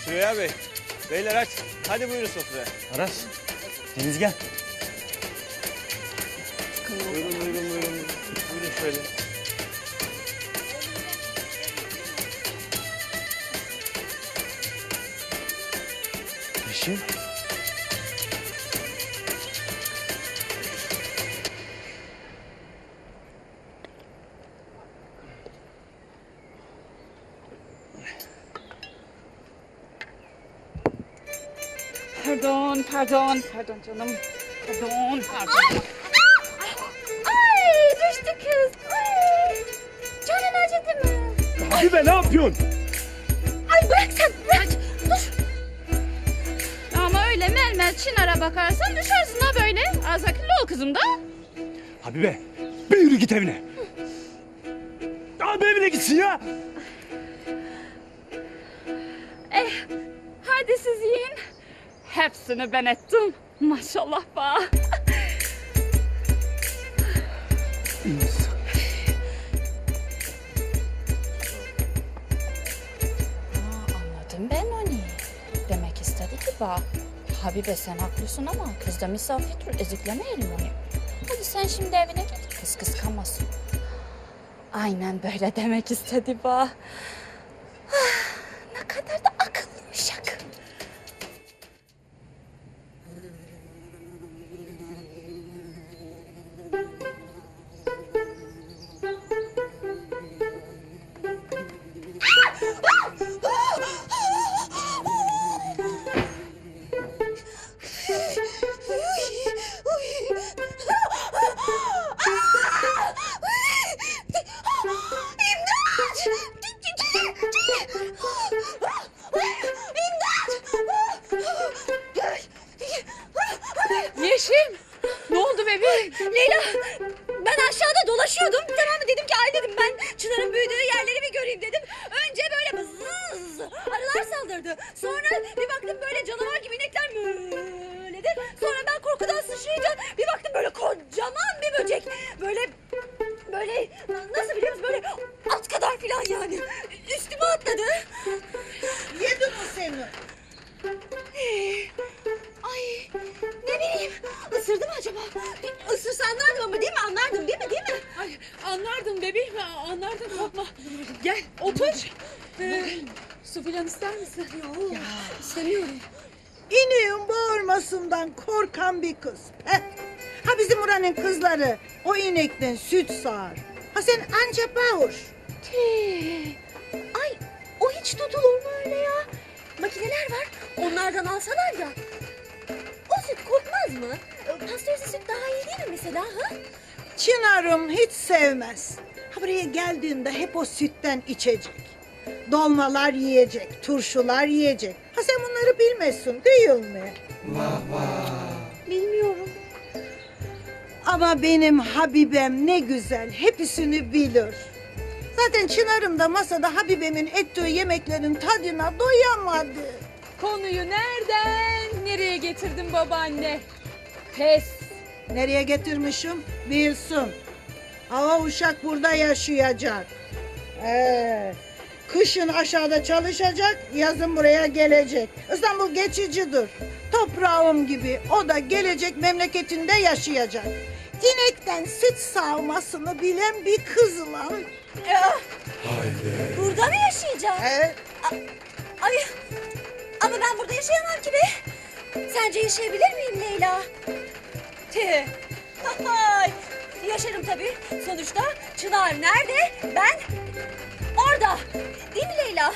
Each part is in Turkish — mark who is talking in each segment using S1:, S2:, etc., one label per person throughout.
S1: Süreyya Bey, beyler aç. Hadi buyurun sofraya.
S2: Aras, Deniz gel.
S1: Buyurun. Buyurun şöyle.
S2: Yeşim.
S3: Pardon canım. Pardon.
S4: Ay düştü kız. Ay. Canın acıdı mı?
S2: Habibe ne yapıyorsun?
S4: Ay bırak sen bırak. Dur.
S3: Ama öyle melmel Çınar'a bakarsan düşersin ha böyle. Az akıllı ol kızım da.
S2: Habibe, bir yürü git evine. Abi evine gitsin ya.
S3: Hadi siz yiyin. Hepsini ben ettim. Maşallah ba. Anladım ben onu. Demek istedi ki bak. Habibe sen haklısın ama kız da misafirdir. Eziklemeyelim onu. Hadi sen şimdi evine git. Kız kıskanmasın. Aynen böyle demek istedi bak. Ne kadar da akıllı uşak.
S5: Yeşim, ne oldu bebeğim?
S4: Leyla ben aşağıda dolaşıyordum. Tamam mı dedim ki ay dedim ben Çınar'ın büyüdüğü yerleri bir göreyim dedim. Önce böyle bızız arılar saldırdı. Sonra bir baktım böyle canavar gibi inekler möledi. Sonra ben korkudan sıçrayınca bir baktım böyle kocaman bir böcek. Böyle nasıl biliyor musun böyle at kadar falan yani. Üstüme atladı.
S6: Yedi mi seni?
S4: Ay ne bileyim ısırdı mı acaba? Isırsa anlardım ama değil mi? Anlardım değil mi?
S5: Ay, anlardım bebeğim, anlardım korkma. Gel, otur. Su filan ister misin?
S4: Yok istemiyorum.
S6: İneğin bağırmasından korkan bir kız. Heh. Ha bizim buranın kızları o inekten süt sağar. Ha sen anca bağır.
S4: Ay o hiç tutulur mu öyle ya? Makineler var onlardan alsalar ya. O süt kokmaz mı? Pastörize süt daha iyi değil mi mesela? Ha?
S6: Çınar'ım hiç sevmez. Ha buraya geldiğinde hep o sütten içecek. Dolmalar yiyecek, turşular yiyecek. Ha sen bunları bilmezsin değil mi?
S4: Bilmiyorum.
S6: Ama benim Habibem ne güzel, hepsini bilir. Zaten Çınar'ım da masada Habibemin ettiği yemeklerin tadına doyamadı.
S5: Konuyu nereden nereye getirdin babaanne? Pes.
S6: Nereye getirmişim? Bilsin. Hava uşak burada yaşayacak. Kışın aşağıda çalışacak, yazın buraya gelecek. İstanbul geçicidir. Toprağım gibi o da gelecek memleketinde yaşayacak. İnekten süt sağmasını bilen bir kız lan.
S4: Burada mı yaşayacağım? Ay ama ben burada yaşayamam ki be. Sence yaşayabilir miyim Leyla? Ay, yaşarım tabii. Sonuçta Çınar nerede? Ben orada. Değil mi Leyla?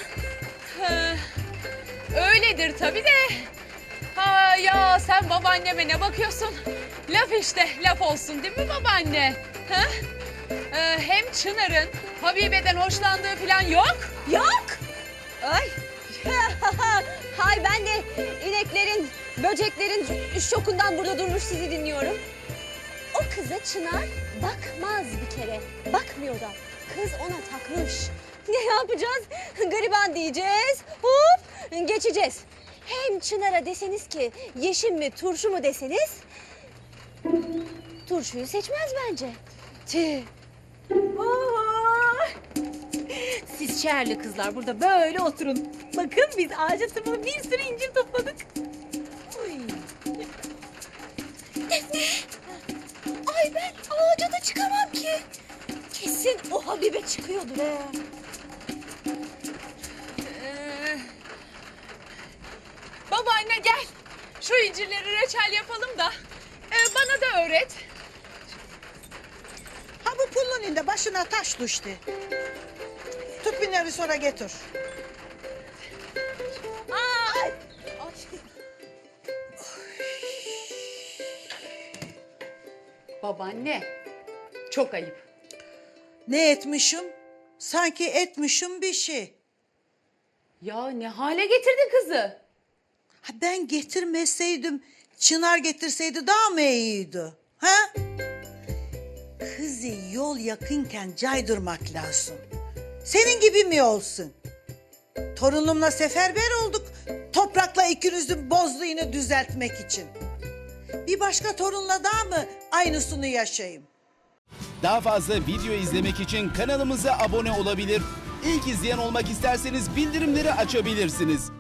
S5: Öyledir tabii de. Ha ya sen babaanneme ne bakıyorsun? Laf işte, laf olsun değil mi babaanne? Ha? Hem Çınar'ın Habibe'den hoşlandığı falan yok.
S4: Yok. Ay. Hay ben de ineklerin, böceklerin şokundan burada durmuş sizi dinliyorum. O kıza Çınar bakmaz bir kere. Bakmıyor da. Kız ona takmış. Ne yapacağız? Gariban diyeceğiz. Hop geçeceğiz. Hem Çınar'a deseniz ki yeşim mi turşu mu deseniz turşuyu seçmez bence. Siz şehirli kızlar burada böyle oturun. Bakın biz ağaca tırmanıp bir sürü incir topladık. Defne! Ay ben ağaca da çıkamam ki. Kesin o Habibe çıkıyordur he.
S5: Babaanne gel. Şu incirleri reçel yapalım da bana da öğret.
S6: Ha bu pullunun da başına taş düştü. Tut binleri sonra getir.
S4: Ay.
S5: Babaanne çok ayıp.
S6: Ne etmişim? Sanki etmişim bir şey.
S5: Ya ne hale getirdin kızı?
S6: Ha ben getirmeseydim, Çınar getirseydi daha mı iyiydi? Ha? Kızı yol yakınken caydırmak lazım. Senin gibi mi olsun? Torunumla seferber olduk. Toprakla ikinizin bozduğunu düzeltmek için. Bir başka torunla daha mı aynısını yaşayayım?
S7: Daha fazla video izlemek için kanalımıza abone olabilir. İlk izleyen olmak isterseniz bildirimleri açabilirsiniz.